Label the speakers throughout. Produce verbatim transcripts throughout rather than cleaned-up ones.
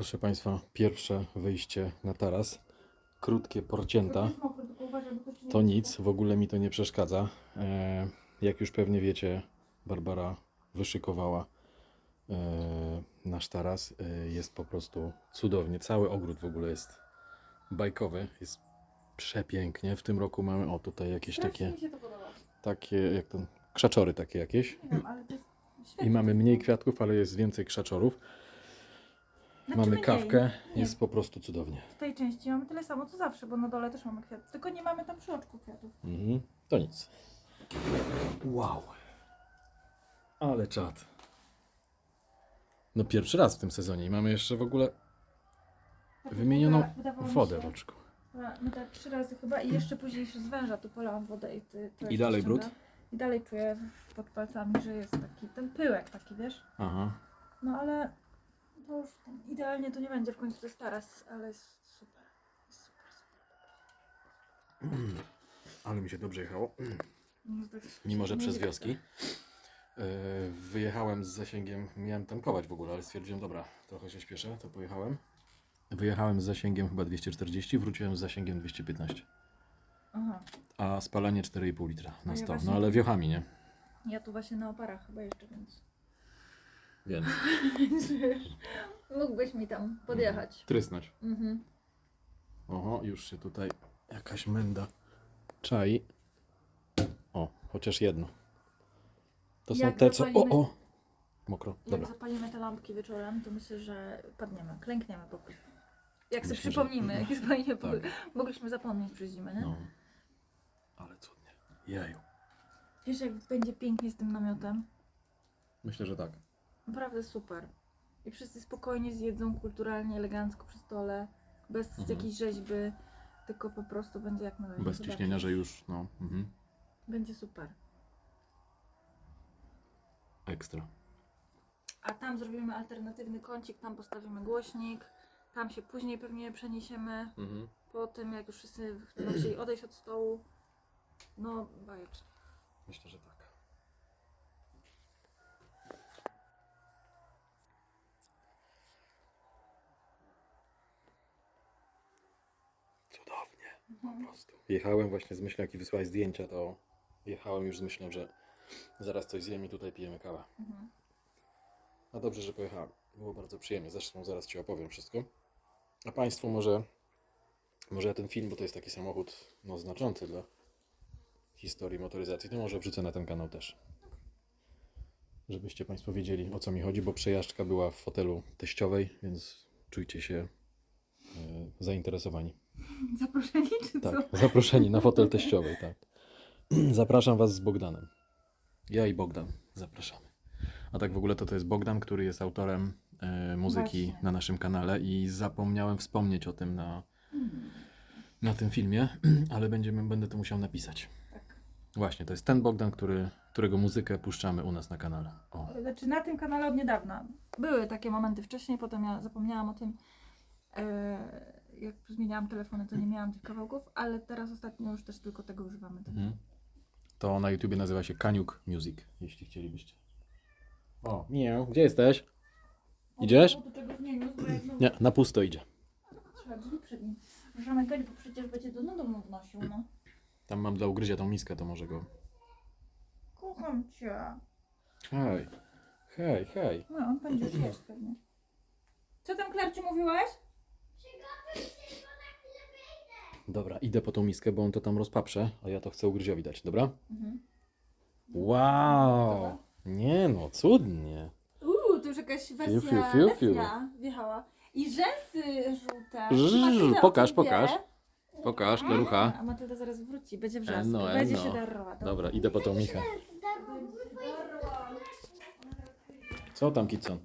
Speaker 1: Proszę Państwa, pierwsze wyjście na taras. Krótkie porcięta. To nic, w ogóle mi to nie przeszkadza. E, jak już pewnie wiecie, Barbara wyszykowała e, nasz taras. E, jest po prostu cudownie. Cały ogród w ogóle jest bajkowy. Jest przepięknie. W tym roku mamy, o tutaj jakieś takie,
Speaker 2: Mi się to podoba.
Speaker 1: takie jak to, krzaczory takie jakieś.
Speaker 2: Nie wiem, ale to jest świetnie.
Speaker 1: I mamy mniej kwiatków, ale jest więcej krzaczorów.
Speaker 2: Znaczy
Speaker 1: Mamy
Speaker 2: mniej.
Speaker 1: kawkę,
Speaker 2: Nie.
Speaker 1: jest po prostu cudownie.
Speaker 2: W tej części mamy tyle samo co zawsze, bo na dole też mamy kwiaty. Tylko nie mamy tam przy oczku kwiatów.
Speaker 1: Mhm. To nic. Wow. Ale czad. No pierwszy raz w tym sezonie i mamy jeszcze w ogóle wymienioną
Speaker 2: Wyda- wydawało mi
Speaker 1: wodę w
Speaker 2: się-
Speaker 1: oczku.
Speaker 2: My tak trzy razy chyba i jeszcze później z węża tu polałam wodę i ty, to
Speaker 1: I
Speaker 2: jeszcze
Speaker 1: dalej
Speaker 2: ściąga.
Speaker 1: brud?
Speaker 2: I dalej czuję w- pod palcami, że jest taki ten pyłek taki, wiesz?
Speaker 1: Aha.
Speaker 2: No ale to już tam idealnie to nie będzie, w końcu to jest taras, ale jest super. Jest super, super.
Speaker 1: Mm. Ale mi się dobrze jechało. Mm.
Speaker 2: No, to jest-
Speaker 1: Mimo, że
Speaker 2: nie
Speaker 1: przez
Speaker 2: widać
Speaker 1: wioski. Yy, wyjechałem z zasięgiem, miałem tankować w ogóle, ale stwierdziłem, dobra, trochę się śpieszę, to pojechałem. Wyjechałem z zasięgiem chyba dwieście czterdzieści, wróciłem z zasięgiem dwieście piętnaście.
Speaker 2: Aha.
Speaker 1: A spalanie cztery i pół litra
Speaker 2: A
Speaker 1: na
Speaker 2: ja
Speaker 1: sto.
Speaker 2: właśnie-
Speaker 1: No ale wiochami, nie?
Speaker 2: Ja tu właśnie na oparach chyba jeszcze, więc...
Speaker 1: Więc.
Speaker 2: Mógłbyś mi tam podjechać.
Speaker 1: Trysnąć.
Speaker 2: Mhm.
Speaker 1: Oho, już się tutaj jakaś menda czai. O, chociaż jedno. To są
Speaker 2: Jak
Speaker 1: te, co... O,
Speaker 2: zapalimy-
Speaker 1: o! Mokro,
Speaker 2: Jak
Speaker 1: dobra.
Speaker 2: zapalimy te lampki wieczorem, to myślę, że padniemy, klękniemy po prostu. Jak sobie
Speaker 1: Myślę, że-
Speaker 2: przypomnimy, jak jest fajnie,
Speaker 1: Tak.
Speaker 2: mogliśmy zapomnieć przez zimę, nie?
Speaker 1: No. Ale cudnie. Jeju.
Speaker 2: Wiesz, jak będzie pięknie z tym namiotem?
Speaker 1: Myślę, że tak.
Speaker 2: Naprawdę super. I wszyscy spokojnie zjedzą, kulturalnie, elegancko przy stole, bez
Speaker 1: Mhm.
Speaker 2: jakiejś rzeźby, tylko po prostu będzie jak należy.
Speaker 1: Bez
Speaker 2: Zobaczysz.
Speaker 1: ciśnienia, że już, no. Mhm.
Speaker 2: Będzie super.
Speaker 1: Ekstra.
Speaker 2: A tam zrobimy alternatywny kącik, tam postawimy głośnik, tam się później pewnie przeniesiemy,
Speaker 1: Mhm.
Speaker 2: po tym jak już wszyscy będą chcieli odejść od stołu. No, bajecznie.
Speaker 1: Myślę, że tak. Cudownie. Po prostu. Jechałem właśnie z myślą, jak i wysłałeś zdjęcia, to jechałem już z myślą, że zaraz coś zjem i tutaj pijemy kawę.
Speaker 2: Mhm.
Speaker 1: No dobrze, że pojechałem. Było bardzo przyjemnie. Zresztą zaraz Ci opowiem wszystko. A Państwu może, może ja ten film, bo to jest taki samochód no, znaczący dla historii motoryzacji, to może wrzucę na ten kanał też. Żebyście Państwo wiedzieli, o co mi chodzi, bo przejażdżka była w fotelu teściowej, więc czujcie się e, zainteresowani.
Speaker 2: Zaproszeni czy co?
Speaker 1: Tak, zaproszeni na fotel teściowej, tak. Zapraszam Was z Bogdanem. Ja i Bogdan zapraszamy. A tak w ogóle to to jest Bogdan, który jest autorem e, muzyki
Speaker 2: Właśnie.
Speaker 1: na naszym kanale i zapomniałem wspomnieć o tym na, na tym filmie, ale będziemy, będę to musiał napisać.
Speaker 2: Tak.
Speaker 1: Właśnie, to jest ten Bogdan, który, którego muzykę puszczamy u nas na kanale. O.
Speaker 2: Znaczy na tym kanale od niedawna. Były takie momenty wcześniej, potem ja zapomniałam o tym. E, jak zmieniałam telefony, to nie miałam tych kawałków, ale teraz ostatnio już też tylko tego używamy.
Speaker 1: Mhm. To na YouTubie nazywa się Kaniuk Music, jeśli chcielibyście. O, nie, gdzie jesteś? Idziesz?
Speaker 2: O, do czegoś nie niósł, bo jak znowu
Speaker 1: Nie, na pusto idzie.
Speaker 2: trzeba drzwi przed nim zamykać, bo przecież będzie do no domu wnosił, no.
Speaker 1: Tam mam dla ugryzia tą miskę, to może go...
Speaker 2: Kocham cię.
Speaker 1: Hej, hej, hej.
Speaker 2: No, on będzie już jeść pewnie. Co tam, Klarciu, mówiłaś?
Speaker 1: Dobra, idę po tą miskę, bo on to tam rozpaprze, a ja to chcę ugryziowi dać, dobra?
Speaker 2: Mhm.
Speaker 1: Wow! Nie no, cudnie.
Speaker 2: Uuu, to już jakaś wersja
Speaker 1: Fiu, fiu, fiu, fiu.
Speaker 2: letnia wjechała. I rzęsy żółte.
Speaker 1: Żż,
Speaker 2: Matylda o
Speaker 1: pokaż,
Speaker 2: tym wie.
Speaker 1: pokaż. Pokaż, Lerucha.
Speaker 2: A Matylda zaraz wróci, będzie wrzask.
Speaker 1: Eno,
Speaker 2: Będzie
Speaker 1: eno.
Speaker 2: się darła.
Speaker 1: Dobra, idę po tą Michę. Co tam, Kitson?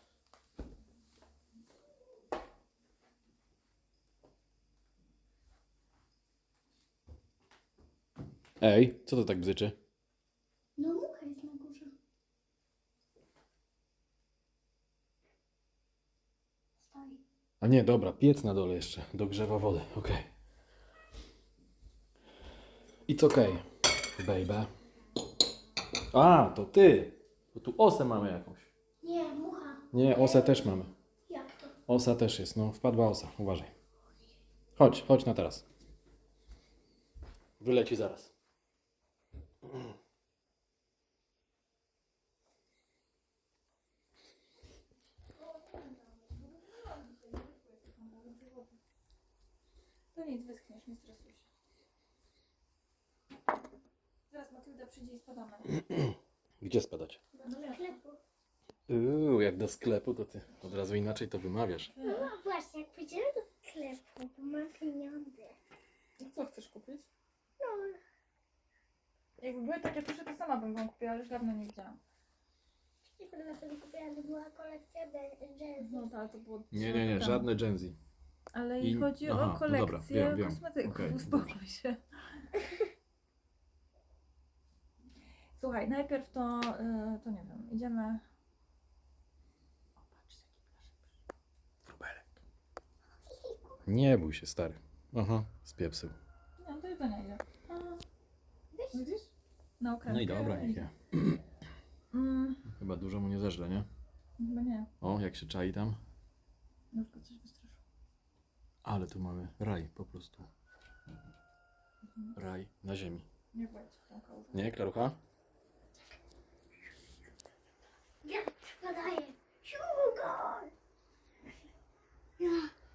Speaker 1: Ej, co to tak bzyczy?
Speaker 3: No mucha jest na górze. Stoi.
Speaker 1: A nie, dobra, piec na dole jeszcze, dogrzewa wodę, okej. It's okej, baby. A, to ty! Bo tu osę mamy jakąś.
Speaker 3: Nie, mucha.
Speaker 1: Nie, osę też mamy.
Speaker 3: Jak to?
Speaker 1: Osa też jest, no wpadła osa, uważaj. Chodź, chodź na teraz. Wyleci zaraz.
Speaker 2: To nic, wyschniesz, nie stresuj się. Zaraz Matylda przyjdzie i spadamy.
Speaker 1: Gdzie spadać?
Speaker 2: No wiesz.
Speaker 3: Sklepu.
Speaker 1: Uuu, jak do sklepu, to ty od razu inaczej to wymawiasz.
Speaker 3: No właśnie, jak pójdziemy do sklepu, to mam pieniądze.
Speaker 2: No co chcesz kupić?
Speaker 3: No,
Speaker 2: Jakby były takie tusze, to sama bym wam kupiła, ale już dawno nie widziałam.
Speaker 3: i potem sobie kupiłam, to była kolekcja jazz.
Speaker 2: No tak, to było...
Speaker 1: Nie, nie, nie, żadne Gen Z.
Speaker 2: Ale
Speaker 1: I-
Speaker 2: i chodzi
Speaker 1: aha,
Speaker 2: o
Speaker 1: no
Speaker 2: kolekcję
Speaker 1: dobra, wiem, wiem.
Speaker 2: kosmetyków,
Speaker 1: Okej,
Speaker 2: uspokój się. Słuchaj, najpierw to, y, to nie wiem, idziemy... O, patrz, jaki blaszek.
Speaker 1: Wróbelek. Nie bój się, stary. Aha, spiepsył.
Speaker 2: Nie, do jedzenia idzie. A, widzisz? Na okrętkę.
Speaker 1: No i dobra, niech je.
Speaker 2: Mm,
Speaker 1: Chyba dużo mu nie zeżre, nie?
Speaker 2: chyba nie,
Speaker 1: O, jak się czai tam.
Speaker 2: już go coś wystraszyło.
Speaker 1: Ale tu mamy raj, po prostu. Raj na ziemi.
Speaker 2: Nie bądź w tą kałużę.
Speaker 1: Nie, Klarucha?
Speaker 3: Ja podaję. Sugar! Ja.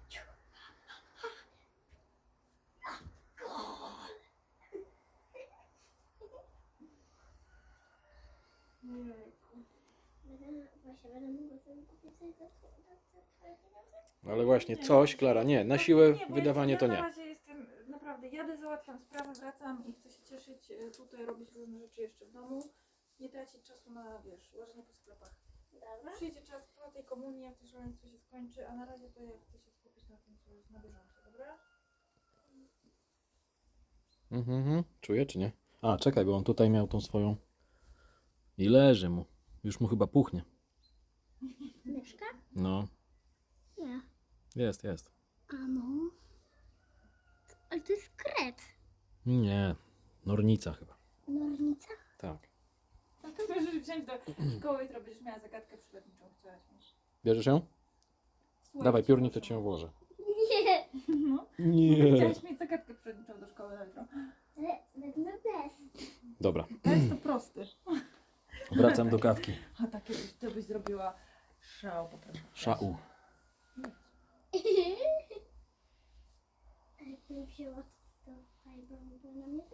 Speaker 3: Będę, właśnie będę mogła sobie kupić sobie za twoje za twoje pieniądze?
Speaker 1: Ale właśnie
Speaker 2: Nie.
Speaker 1: coś, Klara, nie. Na siłę
Speaker 2: Nie, bo
Speaker 1: wydawanie
Speaker 2: ja,
Speaker 1: to
Speaker 2: ja
Speaker 1: nie.
Speaker 2: na razie jestem, naprawdę, jadę, załatwiam sprawę, wracam i chcę się cieszyć, y, tutaj robić różne rzeczy jeszcze w domu. Nie tracić czasu na, wiesz, łażenie po sklepach.
Speaker 3: Dobra.
Speaker 2: Przyjdzie czas po tej komunii, jak to szaleństwo się skończy, a na razie to ja chcę się skupić na tym, co jest na bieżąco, dobra?
Speaker 1: Mhm, mhm. Czuje czy nie? A, czekaj, bo on tutaj miał tą swoją... I leży mu. Już mu chyba puchnie.
Speaker 3: Myszka?
Speaker 1: No,
Speaker 3: Nie.
Speaker 1: jest, jest.
Speaker 3: A no. Ale to jest kret.
Speaker 1: Nie, nornica chyba.
Speaker 3: Nornica?
Speaker 1: Tak.
Speaker 2: No to możesz wziąć do szkoły, jutro będziesz miała zagadkę przyrodniczą, chciałaś mieć.
Speaker 1: Bierzesz ją?
Speaker 2: Słuchaj,
Speaker 1: Dawaj, piórnik, to
Speaker 2: proszę.
Speaker 1: cię włożę.
Speaker 3: Nie.
Speaker 2: No,
Speaker 1: Nie.
Speaker 2: chciałaś mieć zagadkę przyrodniczą do szkoły na jutro.
Speaker 3: Ale wezmę bez.
Speaker 1: Dobra,
Speaker 2: To jest to prosty.
Speaker 1: wracam do kawki.
Speaker 2: A takie byś, to byś zrobiła szał po prostu.
Speaker 1: Szau.
Speaker 3: A jak nie wzięła, to fajnie, bo na mnie